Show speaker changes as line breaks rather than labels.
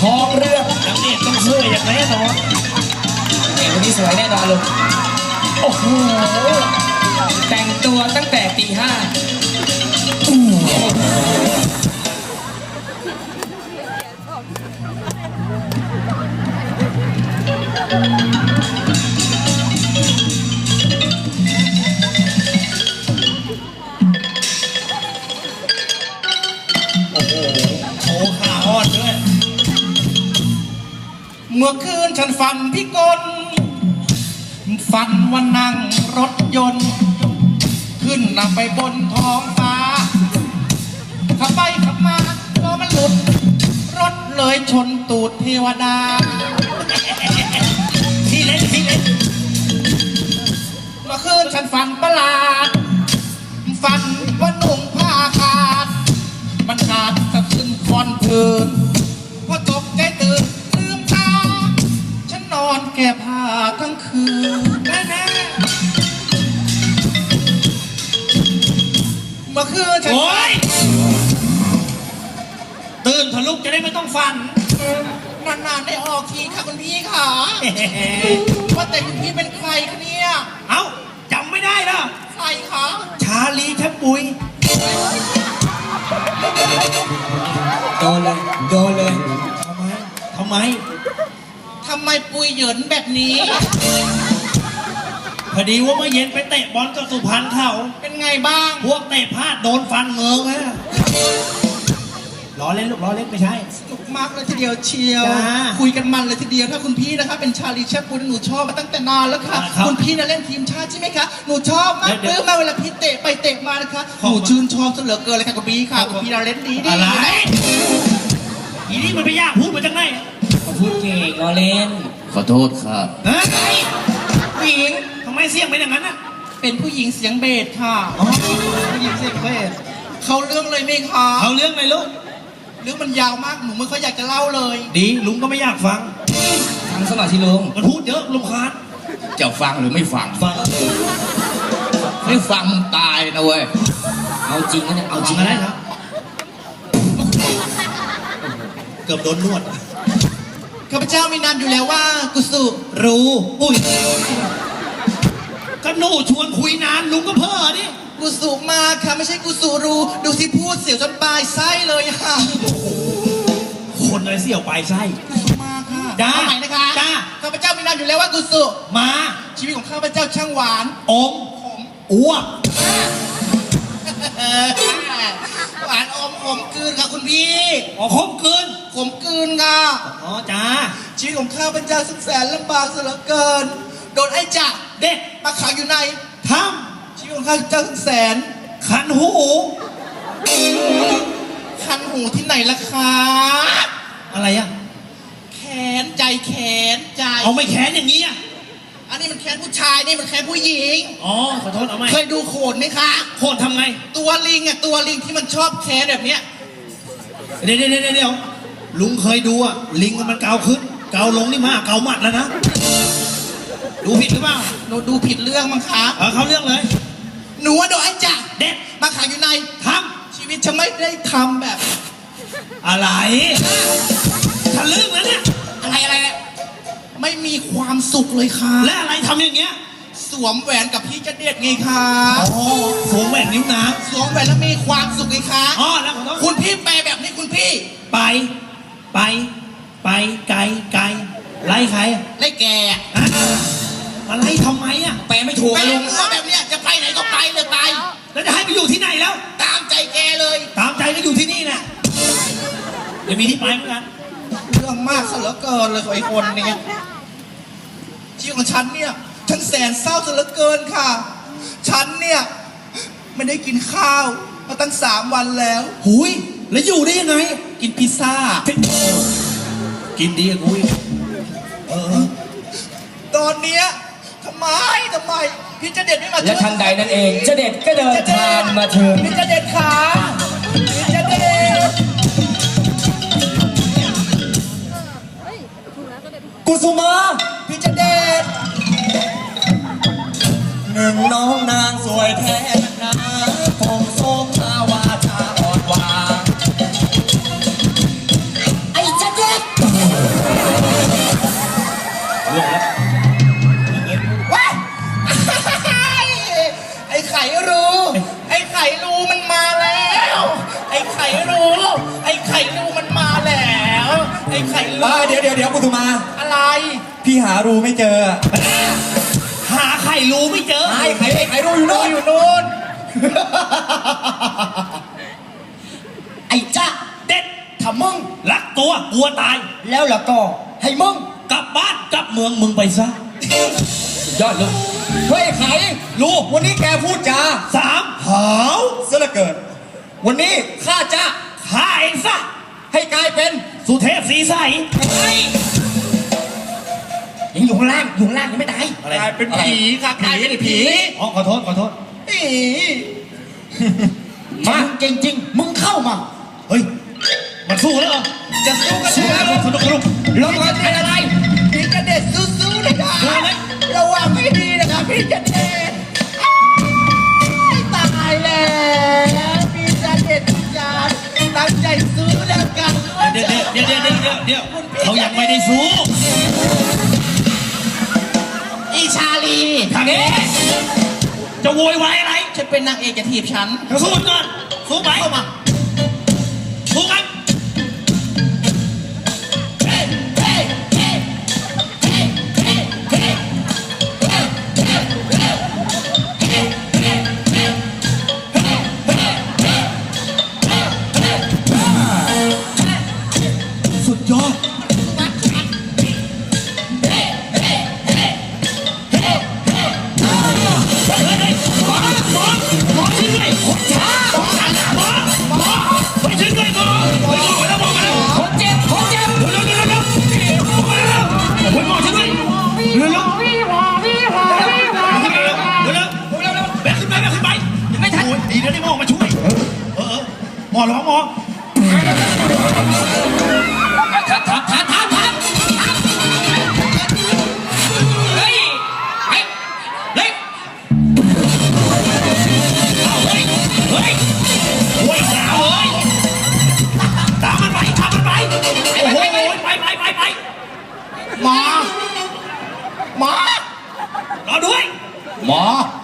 องเรื่อง
นางเอกต้องช่วยอย่างแน่นอน
เอกคนนี้สวยแน่นอนเลยโอ้โหแต่งตัวตั้งแต่ตีห้า
โชว์ขาอ่อนด้วยเมื่อคืนฉันฝันพี่กลฝันว่านั่งรถยนต์ขึ้นนำไปบนท้องฟ้าขับไปขับมาล้อมันหลุดรถเลยชนตูดเทวดาที่เล่นเมื่อคืนฉันฝันประหลาดฝันว่าหนุ่มผ้าขาดมันขาดสะขึ้นคอนพื้นพอตกใจตื่นลืมตาฉันนอนแก้ผ้าทั้งคืนแน่เมื่อคืนฉันโอ๊ยตื่นเถอะลูกจะได้ไม่ต้องฝันนานๆได้ออกทีค่ะคุณพี่ค่ะว่าแต่คุณพี่เป็นใครคะเนี่ยเอ้าจำไม่ได้เหรอใครคะชาลีแทบปุย
โดนเลย
ทำไมปุยเหยินแบบนี้พอดีว่าเมื่อเย็นไปเตะบอลกับสุพรรณเขาเป็นไงบ้างพวกเตะพลาดโดนฟันเงิงฮะล้อเล่นลูกล้อเล่นไม่ใช่สนุกมากเลยทีเดียวเชียวคุยกันมันเลยทีเดียวถ้าคุณพี่นะคะเป็นชาลีแชปปุยหนูชอบมาตั้งแต่นานแล้วค่ะคุณพี่น่ะเล่นทีมชาติใช่ไหมคะหนูชอบมากเมื่อเวลาพี่เตะไปเตะมานะคะหนูชื่นชอบเหลือเกินเลยค่ะคุณพี่ค่ะคุณพี่เราเล่นดีอะไรอีนี่มันไม่ยากพูดมาจากไหน
พูดเก่งล้อเล่น
ขอโทษครับ
ผู้หญิงทำไมเสียงเป็นอย่างนั้นอ่ะเป็นผู้หญิงเสียงเบสค่ะผู้หญิงเสียงเบสเขาเรื่องเลยไหมคะเขาเรื่องไหมลูกเรื่องมันยาวมากหนูไม่ค่อยอยากจะเล่าเลยดีลุงก็ไม่อยากฟัง
สมาธิลุง
มันพูดเยอะลุงคาน
จะฟังหรือไม่ฟังไม่ฟังมึงตายนะเว้ย
เอาจริงนะเนี่ยเอาจริง
อะไรครับเกือบโดนนวดข้าพเจ้ามีนามอยู่แล้วว่ากุสุรู้อุ้ยก็หนูชวนคุยนานลุงก็เพ้อดิกุสุมาค่ะไม่ใช่กุสุรู้ดูสิพูดเสียวจนปลายไส้เลยค่ะคนอะไรเสียวปลายไส้กุสุมาค่ะจ้าใหม่นะคะจ้าข้าพเจ้ามีนามอยู่แล้วว่ากุสุมาชีวิตของข้าพเจ้าช่างหวานอมอ้วกหวานอมขมกลืนค่ะคุณพี่อ๋อขมกลืนค่ะอ๋อจ้าชีวิตของข้าพเจ้าสุดแสนลำบากเสียเหลือเกินโดนไอ้จ่าเด็กมาขังอยู่ในถ้ำชีวิตของข้าพเจ้าสุดแสนคันหูที่ไหนล่ะคะอะไรอะแขนใจเอาไม่แขนอย่างนี้อะอันนี้มันแขนผู้ชายนี่มันแขนผู้หญิงอ๋อขอโทษเอาไหมเคยดูโขนไหมคะโขนทำไงตัวลิงที่มันชอบแขนแบบเนี้ยเดี๋ยวลุงเคยดูอะลิงมันเกาขึ้นเกาลงนี่มากเกาหมัดแล้วนะดูผิดหรือเปล่าหนูดูผิดเรื่องมั้งคะเขาเรื่องเลยหนูว่าโดนไอ้จ่าเด็กมาขังอยู่ในถ้ำชีวิตฉันไม่ได้ทำแบบอะไรทะลึ่งแล้วเนี่ยอะไรไม่มีความสุขเลยค่ะและอะไรทำอย่างเงี้ยสวมแหวนกับพี่จะเด็ดไงคะอ๋อสวมแหวนนิ้วนางสวมแหวนแล้วมีความสุขไงคะอ๋อแล้วคุณพี่แปลแบบนี้คุณพี่ไปไกลไล่ใครไล่แกอะไรทำไมอ่ะแปลไม่ถูกลุงแบบเนี้ยจะไปไหนก็ไปเลยไปแล้วจะให้ไปอยู่ที่ไหนแล้วตามใจแกเลยตามใจก็อยู่ที่นี่แหละเดี๋ยวมีที่ไปเหมือนกันเรื่องมากซะเหลือเกินเลยไอ้คนนี้ชีวิตของฉันเนี่ยฉันแสนเศร้าซะเหลือเกินค่ะฉันเนี่ยไม่ได้กินข้าวมาตั้ง3 วันแล้วหุยแล้วอยู่ได้ยังไงกินพิซซ่ากินดีอะกุยตอนเนี้ยทำไมพี่จะเด็ดไม่มา
และทันใดนั่นเองจะเด็ดก็เดินทางมาถึง
พี่จะเด็ดขาพี่จะเด็ด
กุสุมา
พี่จะเด็ด
หนึ่งน้องนางสวยแท้นะคงทรงมาวาจาอ่อนหวานไอ้จะเด็ด
อ้ไข่
เดี๋ยวกุสุมา
อะไร
พี่หารูไม่เจอ
หาไข่รู้ไม่เจอ
ไข่รูอยู่โน่น
อยู่นู่น
ไอ้จ้า
เด็ด
ถ้ามึง
รักตัวกลัวตาย
แล้วล่ะก็ให้มึง
กลับบ้านกลับเมืองมึงไปซะ
ยอดลูกเฮ้ยไข่
ลูก
วันนี้แกพูดจา
สามหาว
ซะเหลือเกินวันนี้ข้าจะ
ฆ่าเองซะ
ให้กลายเป็น
สุเทพสีใส
ยังอยู่ข้างล่างยังไม่ตาย
กลายเป็นผีค่ะกลายเป็นผี
อ๋อขอโทษ
มาเก่งจริงมึงเข้ามา
เฮ้ยมันสู้แล้วเหรอ
จะสู้กัน
สู้
แล้
แล้ว
ว
สนุก
ลงมาเป็นอะไรพี่จะเด็ดสู้ๆนะครับ
สู้ไหม
ระวังไม่ดีนะครับพี่จะเด็ดตายแล้วพี่จะเด็ดจานตั้งใจสู้แล้วกัน
เดี๋ยวเขายังไม่ได้สู้
อีชาลี
ทางนี้จะโวยวายอะไร
ฉันเป็นนางเอกจะถีบฉัน
สู้ก่อนสู้ไหมเข้ามาสู้กันสุดยอดหมอช่วยด้วยหมอไปช่วยด้วยหมอไปแล้วบอกมาแล้ว
คนเจ็บ
เร็วหมอช่วยด้วยเร็วแบกขึ้นไปไม่ทันดีนะที่หมอมาช่วยหมอร้องหมอเฮ้ยโอ้ยสาวเอ้ยตามมันไปโอ้โหไป
หมอ
รอด้วย
หมอ